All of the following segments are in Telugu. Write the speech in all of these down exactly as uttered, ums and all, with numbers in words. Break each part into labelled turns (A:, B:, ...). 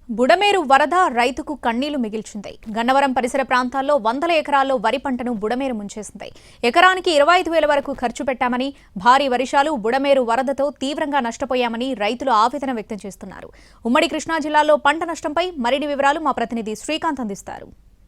A: బుడమేరు వరద రైతుకు కన్నీళ్లు మిగిల్చింది. గన్నవరం పరిసర ప్రాంతాల్లో వందల ఎకరాల్లో వరి పంటను బుడమేరు ముంచేసింది. ఎకరానికి ఇరవై ఐదు వేల వరకు ఖర్చు పెట్టామని, భారీ వర్షాలు బుడమేరు వరదతో తీవ్రంగా నష్టపోయామని రైతులు ఆవేదన వ్యక్తం చేస్తున్నారు. ఉమ్మడి కృష్ణా జిల్లాలో పంట నష్టంపై మరిన్ని వివరాలు మా ప్రతినిధి శ్రీకాంత్ అందిస్తారు.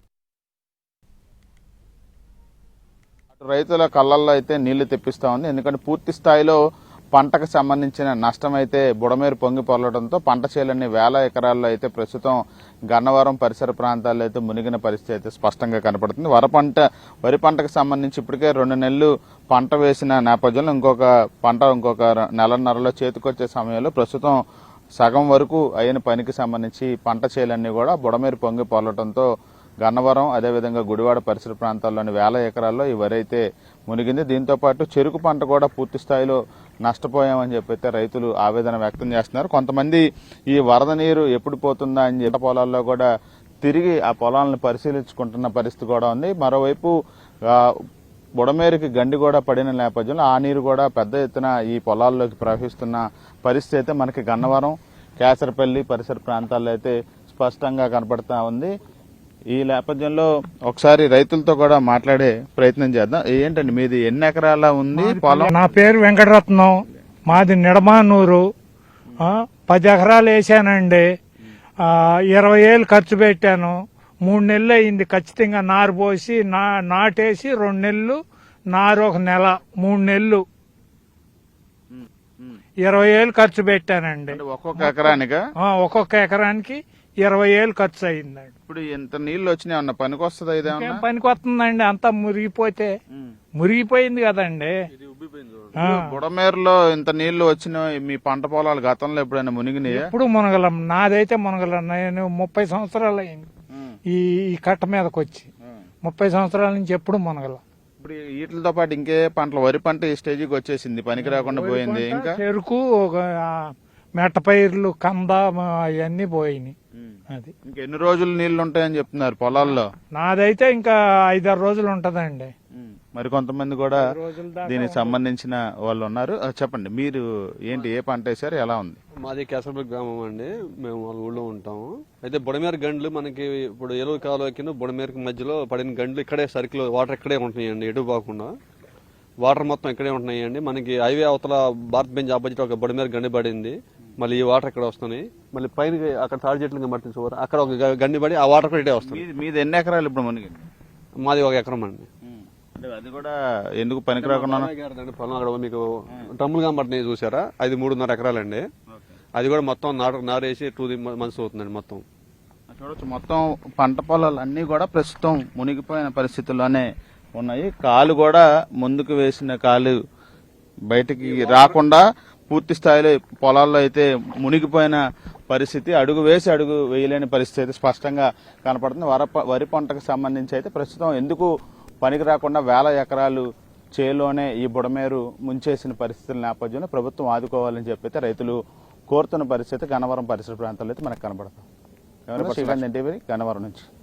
B: రైతుల కళ్ళల్లో అయితే నీళ్లు తెప్పిస్తా ఉంది. ఎందుకంటే పూర్తి స్థాయిలో పంటకు సంబంధించిన నష్టం అయితే బుడమేరు పొంగి పొరలడంతో పంట చేలన్నీ వేల ఎకరాల్లో అయితే ప్రస్తుతం గన్నవరం పరిసర ప్రాంతాల్లో అయితే మునిగిన పరిస్థితి అయితే స్పష్టంగా కనపడుతుంది. వర పంట వరి పంటకు సంబంధించి ఇప్పటికే రెండు నెలలు పంట వేసిన నేపథ్యంలో ఇంకొక పంట ఇంకొక నెలన్నరలో చేతికొచ్చే సమయంలో ప్రస్తుతం సగం వరకు అయిన పనికి సంబంధించి పంట చేలన్నీ కూడా బుడమేరు పొంగి పొరలడంతో గన్నవరం అదేవిధంగా గుడివాడ పరిసర ప్రాంతాల్లోని వేల ఎకరాల్లో ఈ వరి అయితే మునిగింది. దీంతో పాటు చెరుకు పంట కూడా పూర్తి స్థాయిలో నష్టపోయామని చెప్పైతే రైతులు ఆవేదన వ్యక్తం చేస్తున్నారు. కొంతమంది ఈ వరద నీరు ఎప్పుడు పోతుందా అని చెప్పి పొలాల్లో కూడా తిరిగి ఆ పొలాలను పరిశీలించుకుంటున్న పరిస్థితి కూడా ఉంది. మరోవైపు బుడమేరుకి గండి కూడా పడిన నేపథ్యంలో ఆ నీరు కూడా పెద్ద ఎత్తున ఈ పొలాల్లోకి ప్రవహిస్తున్న పరిస్థితి అయితే మనకి గన్నవరం కేసరపల్లి పరిసర ప్రాంతాల్లో అయితే స్పష్టంగా కనపడతా ఉంది. ఈ నేపథ్యంలో ఒకసారి రైతులతో కూడా మాట్లాడే ప్రయత్నం చేద్దాం. ఏంటండి మీది ఎన్ని ఎకరాల ఉంది పొలం?
C: నా పేరు వెంకటరత్నం, మాది నిడమానూరు. పది ఎకరాలు వేసానండి. ఇరవై ఏళ్ళు ఖర్చు పెట్టాను. మూడు నెలలు అయింది ఖచ్చితంగా నారు పోసి నాటేసి రెండు నెలలు నారు ఒక నెల మూడు నెలలు ఇరవై ఏళ్ళు ఖర్చు పెట్టానండి.
B: ఒక్కొక్క ఎకరానికి
C: ఒక్కొక్క ఎకరానికి ఇరవై ఏళ్ళు ఖర్చు అయిందండి.
B: ఇప్పుడు ఎంత నీళ్లు వచ్చినాయి అన్న పనికి వస్తుంది?
C: ఏం పనికి వస్తుందండి? అంతా మురిగిపోతే మురిగిపోయింది కదండి.
B: బుడమేరులో ఇంత నీళ్లు వచ్చిన మీ పంట పొలాలు గతంలో ఎప్పుడైనా మునిగినాయి?
C: ఎప్పుడు మునగలం. నాదైతే మునగలం. నేను ముప్పై సంవత్సరాలు అయింది ఈ కట్ట మీదకి వచ్చి. ముప్పై సంవత్సరాల నుంచి ఎప్పుడు మునగలం.
B: ఇప్పుడు వీటితో పాటు ఇంకే పంటలు వరి పంట ఈ స్టేజికి వచ్చేసింది, పనికి రాకుండా పోయింది. ఇంకా
C: చెరుకు, మెట్ట పైర్లు, కంద అవన్నీ పోయినాయి. అది
B: ఇంకా ఎన్ని రోజులు నీళ్లు ఉంటాయని చెప్తున్నారు పొలాల్లో?
C: నాదైతే ఇంకా ఐదారు రోజులు ఉంటదండి.
B: మరి కొంతమంది కూడా దీనికి సంబంధించిన వాళ్ళు ఉన్నారు. చెప్పండి, మీరు ఏంటి ఏ పంట వేసారు, ఎలా ఉంది?
D: మాది కేసరపల్లి గ్రామం అండి. మేము వాళ్ళ ఊళ్ళో ఉంటాము. అయితే బుడమేరు గండ్లు మనకి ఇప్పుడు ఏలూరు కాలువకి బుడమేరుకి మధ్యలో పడిన గండ్లు ఇక్కడే సర్కిల్ వాటర్ ఇక్కడే ఉంటున్నాయండి, ఎటు పోకుండా వాటర్ మొత్తం ఇక్కడే ఉంటున్నాయండి. మనకి హైవే అవతల భారత్ బెంచ్ ఆపోజిట్ ఒక బుడమేరు గండి పడింది. మళ్ళీ ఈ వాటర్ ఇక్కడ వస్తున్నాయి. మళ్ళీ పైన అక్కడ తాడి చెట్లు పడుతుంది చూడ, అక్కడ ఒక గండి పడి ఆ వాటర్ కూడా ఇటే వస్తుంది.
B: మీది ఎన్ని ఎకరాలు ఇప్పుడు మనకి?
D: మాది ఒక ఎకరం అండి.
B: అది కూడా ఎందుకు పనికి రాకుండా
D: పొలం అక్కడ మీకు డ్రమ్ములు కనబడుతున్నాయి చూసారా, అది మూడున్నర ఎకరాలండి. అది కూడా మొత్తం నాటు నారేసి టూ మంత్స్ అవుతుందండి. మొత్తం
B: చూడొచ్చు, మొత్తం పంట పొలాలు అన్ని కూడా ప్రస్తుతం మునిగిపోయిన పరిస్థితుల్లోనే ఉన్నాయి. కాలు కూడా ముందుకు వేసిన కాలు బయటికి రాకుండా పూర్తి స్థాయిలో పొలాల్లో అయితే మునిగిపోయిన పరిస్థితి, అడుగు వేసి అడుగు వేయలేని పరిస్థితి అయితే స్పష్టంగా కనపడుతుంది. వర వరి పంటకు సంబంధించి అయితే ప్రస్తుతం ఎందుకు పనికి రాకుండా వేల ఎకరాలు చేలోనే ఈ బుడమేరు ముంచేసిన పరిస్థితుల నేపథ్యంలో ప్రభుత్వం ఆదుకోవాలని చెప్పైతే రైతులు కోరుతున్న పరిస్థితి గన్నవరం పరిసర ప్రాంతాల్లో అయితే మనకు కనపడతాం. శ్రీకాంత్ ఎన్టీవీ గన్నవరం నుంచి.